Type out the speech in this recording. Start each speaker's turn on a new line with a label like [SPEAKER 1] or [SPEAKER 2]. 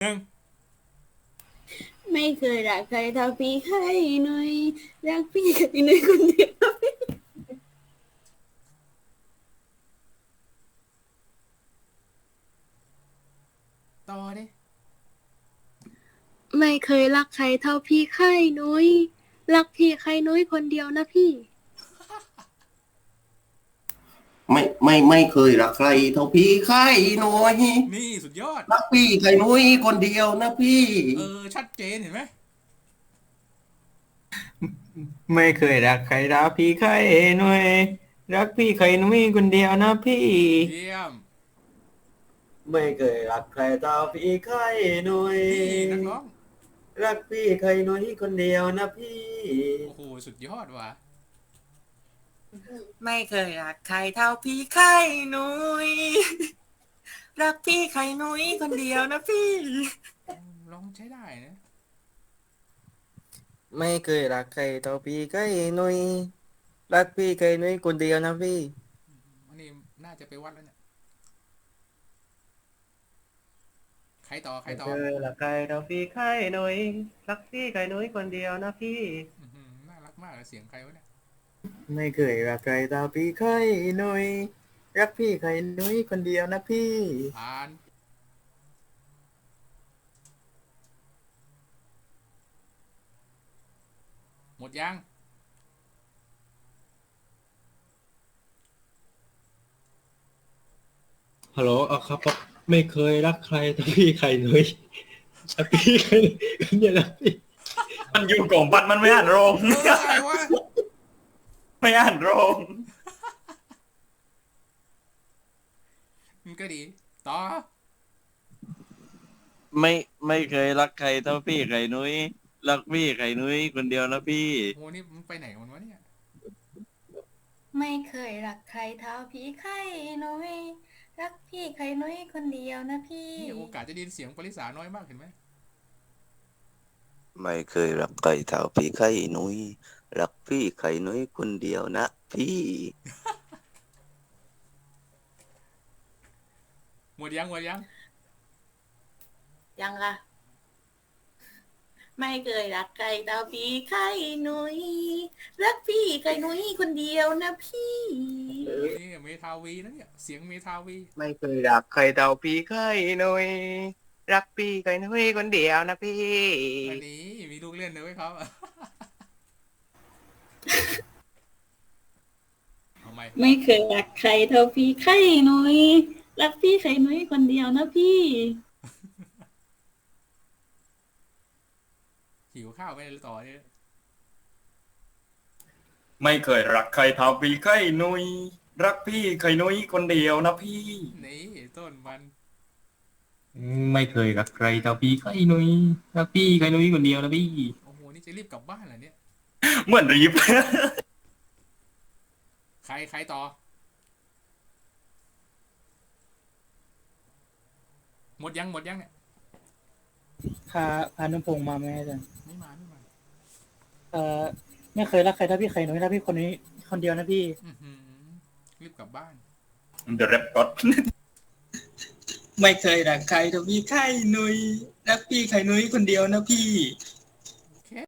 [SPEAKER 1] หนึ่ง
[SPEAKER 2] ไม่เคยรักใครเท่าพี่ไข่หนุ่ยรักพี่ไข่หนุ่ยคนเดียว
[SPEAKER 1] ต่อดิ
[SPEAKER 2] ไม่เคยรักใครเท่าพี่ไข่หนุ่ยรักพี่ไข่หนุ่ยคนเดียวนะพี่
[SPEAKER 3] ไม่เคยรักใครเท่าพี่ไข่หนุ่ย
[SPEAKER 1] นี่สุดยอด
[SPEAKER 3] รักพี่ไข่หนุ่ยคนเดียวนะพี่
[SPEAKER 1] ชัดเจนเห็นไหม
[SPEAKER 4] ไม่เคยรักใครรักพี่ใครหน่วยรักพี่ใครหนุ่ยคนเดียวนะพี่
[SPEAKER 1] เยี่ยม
[SPEAKER 4] ไม่เคยรักใครเท่าพี่ใครหนุ่ย
[SPEAKER 1] นี่นักร้อง
[SPEAKER 4] รักพี่ใครหนุ่ยคนเดียวนะพี่
[SPEAKER 1] โอ้โหสุดยอดว่ะ
[SPEAKER 5] ไม่เคยรักใครเท่าพี่ไข่นุ้ยรักพี่ไข่นุ้ยคนเดียวนะพี่
[SPEAKER 1] ร้องใช้ได้นะ
[SPEAKER 4] ไม่เคยรักใครเท่าพี่ใครหนุ่ยรักพี่ใครหนุ่ยคนเดียวนะพี่
[SPEAKER 1] อันนี้น่าจะไปวัดแล้วเนี่ยใคร
[SPEAKER 4] ไม่
[SPEAKER 1] ต่อ
[SPEAKER 4] เคยรักใครเท่าพี่ใครหนุ่ยรักพี่ใครหนุ่ยคนเดียวนะพี่
[SPEAKER 1] น่ารักมากเลยเสียงใครวะเนี่ย
[SPEAKER 4] ไม่เคยรักใครเท่าพี่ใครหนุ่ยรักพี่ใครหนุ่ยคนเดียวนะพี่
[SPEAKER 1] ผ่านหมดยัง
[SPEAKER 6] ฮัลโหลเอาครับไม่เคยรักใครแต่พี่ใครเลยแต่พี่ใครเนี่ยนะพี่
[SPEAKER 4] มันอยู่กล่องบัตรมันไม่อ่านโรง
[SPEAKER 1] อะไรวะ
[SPEAKER 4] ไม่อ่านโรง
[SPEAKER 1] มันก็ดีต่อ
[SPEAKER 7] ไม่ไม่เคยรักใครเท่าพี่ไข่นุ้ยรักพี่ไข่นุ้ยคนเดียวนะพี่
[SPEAKER 1] โหนี่มันไปไหนกันวะเนี่ย
[SPEAKER 2] ไม่เคยรักใครเท่าพี่ไข่หนุ่ยรักพี่ไข่หนุ่ยคนเดียวนะพี่
[SPEAKER 1] นี่โอกาสจะได้ยินเสียงปริสาน้อยมากเห็นไหม
[SPEAKER 7] ไม่เคยรักใครเท่าพี่ไข่นุ้ยรักพี่ไข่นุ้ยคนเดียวนะพี่
[SPEAKER 1] หมดยัง
[SPEAKER 2] ยังค่ะไม่เคยรักใครเท่าพี่ไข่หนุ่ยรักพี่ไข่หนุ่ยคนเดียวนะพี่
[SPEAKER 1] นี่เมทาวีนะเนี่ยเสียงเมทาวี
[SPEAKER 4] ไม่เคยรักใครเท่าพี่ใครหนุ่ยรักพี่ใครหนุ่ยคนเดียวนะพี่
[SPEAKER 1] อันนี้มีลูกเล่นเลยไว้เขาเอาไหม
[SPEAKER 2] ไม่เคยรักใครเท่าพี่ไข่หนุ่ยรักพี่ไข่หนุ่ยคนเดียวนะพี่
[SPEAKER 1] หิวข้าวไปเลยต่อเนี่ย
[SPEAKER 4] ไม่เคยรักใครเท่าพี่ใครหนุ่ยรักพี่ใครหนุ่ยคนเดียวนะพี่
[SPEAKER 1] นี่ต้นมัน
[SPEAKER 6] ไม่เคยรักใครเท่าพี่ใครนุ้ยรักพี่ใครนุ้ยคนเดียวนะพี่
[SPEAKER 1] โอ้โหนี่จะรีบกลับบ้านเหรอเนี่ย
[SPEAKER 4] เหมือนรีบ
[SPEAKER 1] ใครต่อหมดยังเนี่ย
[SPEAKER 8] พานุพงษ์มาไหมอาจารย์
[SPEAKER 1] ไม่มา
[SPEAKER 8] เอ่อไม่เคยรักใครเท่าพี่ใครหนุ่ยรักพี่คนนี้คนเดียวนะพี่
[SPEAKER 1] รีบกลับบ้าน
[SPEAKER 4] The Rap God
[SPEAKER 5] ไม่เคยรักใครเท่าพี่ไข่นุ้ยรักพี่ไข่นุ้ยคนเดียวนะพี่